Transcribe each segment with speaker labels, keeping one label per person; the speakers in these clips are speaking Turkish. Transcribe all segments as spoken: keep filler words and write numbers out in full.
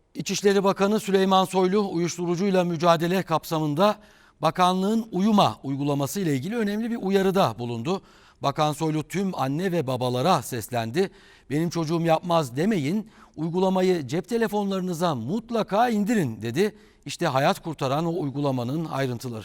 Speaker 1: İçişleri Bakanı Süleyman Soylu uyuşturucuyla mücadele kapsamında bakanlığın uyuma uygulaması ile ilgili önemli bir uyarıda bulundu. Bakan Soylu tüm anne ve babalara seslendi. Benim çocuğum yapmaz demeyin, uygulamayı cep telefonlarınıza mutlaka indirin dedi. İşte hayat kurtaran o uygulamanın ayrıntıları.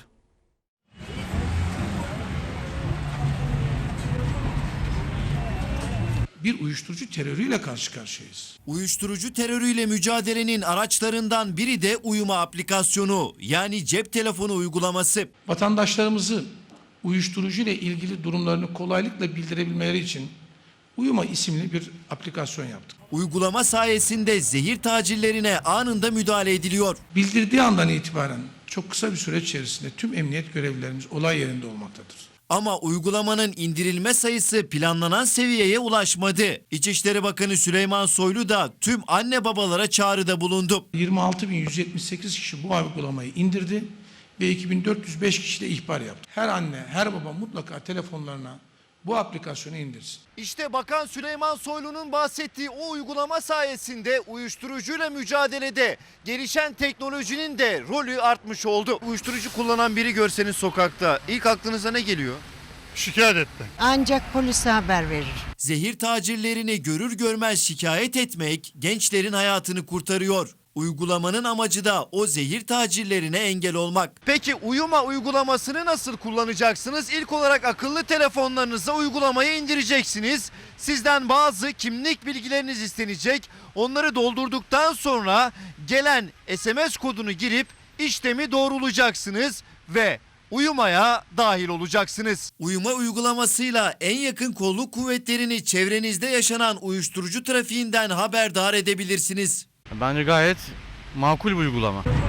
Speaker 2: Bir uyuşturucu terörüyle karşı karşıyayız.
Speaker 3: Uyuşturucu terörüyle mücadelenin araçlarından biri de uyuma aplikasyonu, yani cep telefonu uygulaması.
Speaker 2: Vatandaşlarımızı uyuşturucu ile ilgili durumlarını kolaylıkla bildirebilmeleri için Uyuma isimli bir aplikasyon yaptık.
Speaker 3: Uygulama sayesinde zehir tacirlerine anında müdahale ediliyor.
Speaker 2: Bildirdiği andan itibaren çok kısa bir süre içerisinde tüm emniyet görevlilerimiz olay yerinde olmaktadır.
Speaker 3: Ama uygulamanın indirilme sayısı planlanan seviyeye ulaşmadı. İçişleri Bakanı Süleyman Soylu da tüm anne babalara çağrıda bulundu.
Speaker 2: yirmi altı bin yüz yetmiş sekiz kişi bu uygulamayı indirdi ve iki bin dört yüz beş kişi de ihbar yaptı. Her anne, her baba mutlaka telefonlarına bu aplikasyonu indirsin.
Speaker 3: İşte Bakan Süleyman Soylu'nun bahsettiği o uygulama sayesinde uyuşturucuyla mücadelede gelişen teknolojinin de rolü artmış oldu. Uyuşturucu kullanan biri görseniz sokakta ilk aklınıza ne geliyor?
Speaker 4: Şikayet etmek.
Speaker 5: Ancak polise haber verir.
Speaker 3: Zehir tacirlerini görür görmez şikayet etmek gençlerin hayatını kurtarıyor. Uygulamanın amacı da o zehir tacirlerine engel olmak. Peki uyuma uygulamasını nasıl kullanacaksınız? İlk olarak akıllı telefonlarınıza uygulamayı indireceksiniz. Sizden bazı kimlik bilgileriniz istenecek. Onları doldurduktan sonra gelen S M S kodunu girip işlemi doğrulayacaksınız ve uyumaya dahil olacaksınız. Uyuma uygulamasıyla en yakın kolluk kuvvetlerini çevrenizde yaşanan uyuşturucu trafiğinden haberdar edebilirsiniz.
Speaker 4: Bence gayet makul bir uygulama.